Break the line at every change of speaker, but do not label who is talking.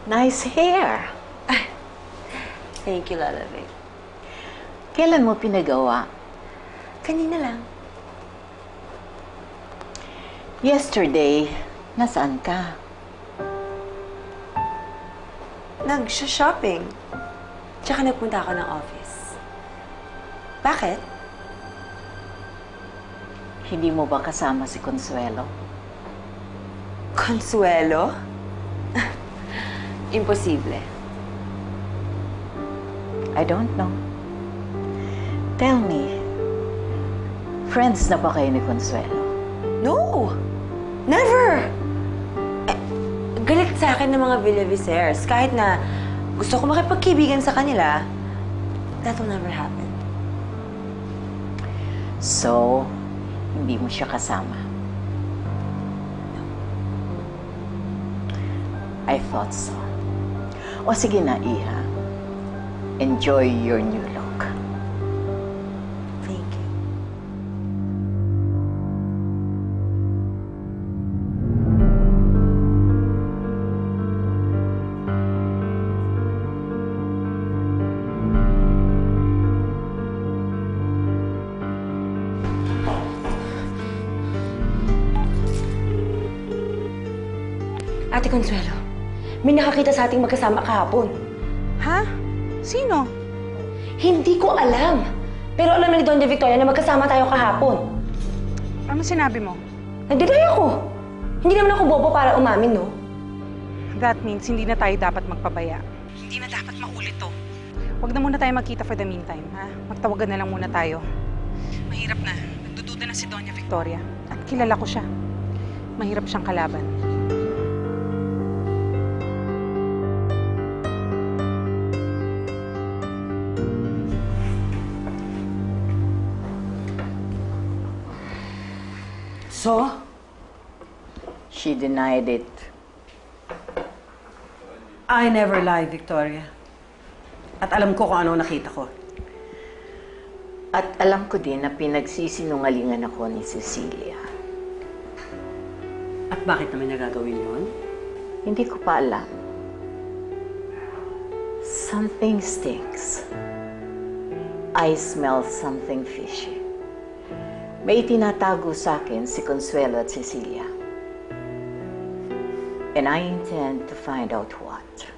Nice hair.
Thank you, Lalabig.
Kailan mo pinagawa?
Kanina lang.
Yesterday, nasaan ka?
Nag-shopping. Tsaka nagpunta ako ng office. Bakit?
Hindi mo ba kasama si Consuelo?
Consuelo? Imposible.
I don't know. Tell me, friends na ba kayo ni Consuelo?
No! Never! Galit sa akin ng mga Villavisers. Kahit na gusto ko makipagkibigan sa kanila, that will never happen.
So, hindi mo siya kasama? I thought so. O sige na, Iha. Enjoy your new look.
Thank you. Ate Consuelo, may nakakita sa ating magkasama kahapon.
Ha? Sino?
Hindi ko alam. Pero alam ni Doña Victoria na magkasama tayo kahapon.
Ano sinabi mo?
Nagdelay ako. Hindi naman ako bobo para umamin, no?
That means hindi na tayo dapat magpabaya. Hindi na dapat maulit to. Huwag na muna tayo magkita for the meantime, ha? Magtawagan na lang muna tayo. Mahirap na. Nagdududa na si Doña Victoria. At kilala ko siya. Mahirap siyang kalaban.
So?
She denied it.
I never lie, Victoria. At alam ko kung ano nakita ko.
At alam ko din na pinagsisinungalingan ako ni Cecilia.
At bakit naman niya gagawin yun?
Hindi ko pa alam. Something stinks. I smell something fishy. May itinatago sa akin si Consuelo at Cecilia. And I intend to find out what.